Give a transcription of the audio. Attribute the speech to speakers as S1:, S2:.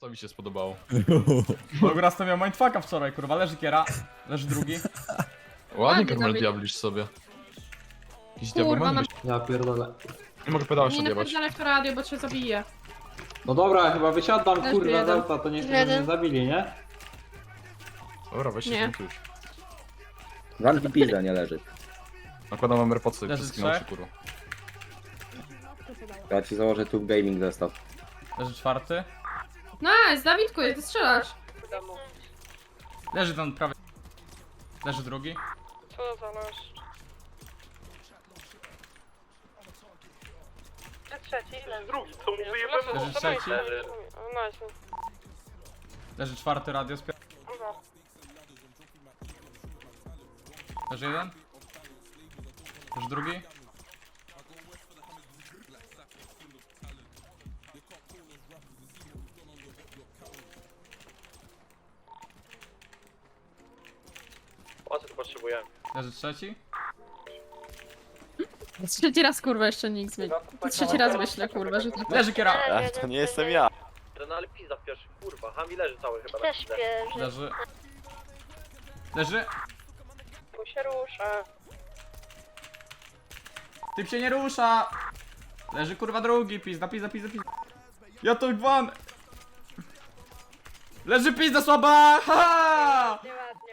S1: Co mi się spodobało?
S2: Bo to miał mindfucka wczoraj, kurwa, leży kiera, leży drugi.
S1: Ładnie
S3: Ładnie,
S1: Karmel
S3: Dawid.
S1: diablisz sobie. Jakiś
S3: Kurwa,
S1: diableman
S3: no.
S1: byś...
S4: Ja pierdolę.
S1: Nie mogę pedała
S3: Nie
S1: jeszcze odjebać.
S3: napierdalaj w to radio, bo cię zabiję.
S4: No dobra, chyba wysiadam
S3: Też
S4: kurwa z
S3: jeden.
S4: auta, to nie chcę, żeby mnie
S5: Jeden.
S4: zabili, nie?
S1: Dobra, weź się
S3: Nie.
S1: tym już.
S6: Wanki pizza nie leży.
S1: Nakładam wam AirPodsy
S2: Leży
S1: wszystkie na oczy,
S2: trzech.
S1: kurwa.
S6: Ja ci założę tu gaming zestaw.
S2: Leży czwarty.
S3: Nice, Dawidku, ty strzelasz.
S2: Leży ten prawie. Leży drugi.
S5: Co za nasz? Trzeci, drugi, to
S2: Leży trzeci.
S5: Nice.
S2: Leży czwarty radio z Leży jeden. Leży drugi.
S7: O co tu potrzebuję?
S2: Leży trzeci.
S3: Trzeci raz, kurwa, jeszcze nikt zmieni. Trzeci raz myślę, kurwa, że to...
S2: Leży kiera.
S7: To nie jestem ja. No ale pizza w pierwszy, kurwa. Hami leży cały chyba na
S5: Też
S7: pizzę.
S5: śpieży.
S2: Leży. Leży.
S5: Tu się rusza.
S2: Typ się nie rusza. Leży kurwa drugi. Pizda. Ja to gwan. Leży pizda słaba. Ha!
S5: Nieładnie.